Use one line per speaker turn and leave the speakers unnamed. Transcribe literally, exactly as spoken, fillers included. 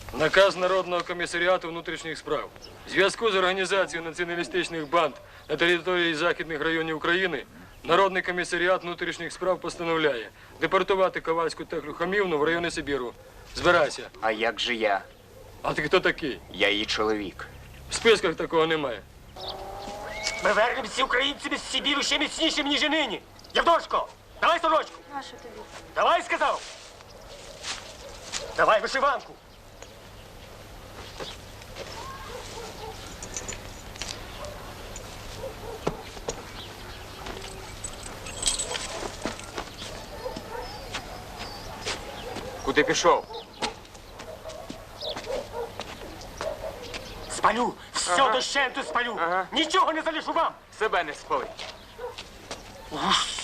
Наказ Народного комісаріату внутрішніх справ. В зв'язку з організацією націоналістичних банд на території західних районів України Народний комісаріат внутрішніх справ постановляє депортувати Ковальську Теклю Хамівну в райони Сибіру. Збирайся.
А як же я?
А ти хто такий?
Я її чоловік.
В списках такого немає.
Ми вернемося українцями з Сибіру ще міцнішим, ніж і нині. Євдошко, давай сорочку.
Нащо тобі?
Давай, сказав. Давай вишиванку.
Куди пішов?
Спалю, все
Ага.
дощенту спалю.
Ага.
Нічого не залишу вам.
Себе не спалить.
Уж